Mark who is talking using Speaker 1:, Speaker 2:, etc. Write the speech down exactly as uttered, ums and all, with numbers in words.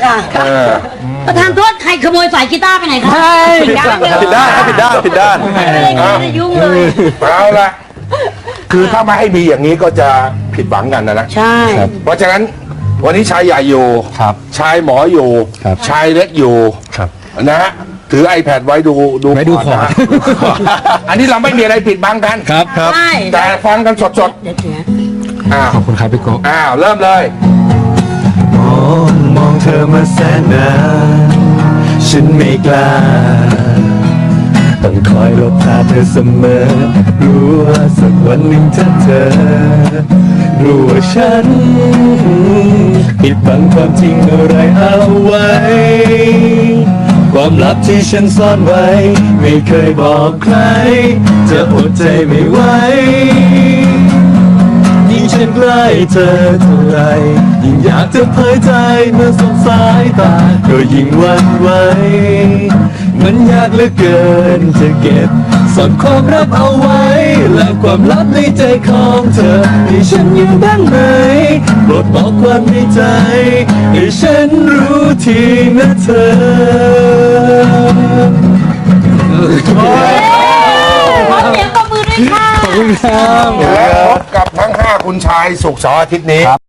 Speaker 1: ค่ะประธานโทษใครขโมยสายกีตาร์ไปไหนคะผิดด้าน
Speaker 2: ผิดด้านผิดด้านผิดด้าน
Speaker 1: ไม่ได้ยุ่งเลย
Speaker 3: เอาละคือถ้าไม่ให้มีอย่างนี้ก็จะผิดหวังกันนะนะ
Speaker 1: ใช่
Speaker 3: เพราะฉะนั้นวันนี้ชายใหญ่อยู่
Speaker 2: ครับ
Speaker 3: ชายหมออยู่
Speaker 2: ครับ
Speaker 3: ชายเล็กอยู่
Speaker 2: ครับ
Speaker 3: นะฮะถือ iPad ไว้ดูดู
Speaker 2: ไว้ดู
Speaker 3: ก่นนะฮะ
Speaker 2: คอร์ด
Speaker 3: อันนี้เราไม่มีอะไรปิดบังกัน
Speaker 2: ครับครับ
Speaker 1: ใช่
Speaker 3: แต่ฟังกันสด
Speaker 1: เดี๋ยวเสีย
Speaker 3: ๆอ้าว
Speaker 2: ขอบคุณครับพี่โก้
Speaker 3: อ้าวเริ่มเลย
Speaker 4: มองมองเธอมาแสนนานฉันไม่กล้าต้องคอยหลบตาเธอเสมอรู้ว่าสักวันหนึ่งถ้าเธอรู้ว่าฉันปิดบังความจริงอะไรเอาไว้ความลับที่ฉันซ่อนไว้ไม่เคยบอกใครจะอดใจไม่ไหวยิ่งฉันใกล้เธอเท่าไรยิ่งอยากจะเผยใจเมื่อสบสายตาก็ยิ่งหวั่นไหวมันยากเหลือเกินจะเก็บซ่อนความลับเอาไว้และความลับในใจของเธอให้ฉันอยู่บ้างไหมโปรดบอกความในใจให้ฉันรู้ทีนะเธอ
Speaker 1: ขอเสียงปรบมือด้วยค่ะ
Speaker 2: ขอบคุณครับ
Speaker 3: และพบกับทั้งห้าคุณชายสุกร์เสาร์อาทิตย์นี้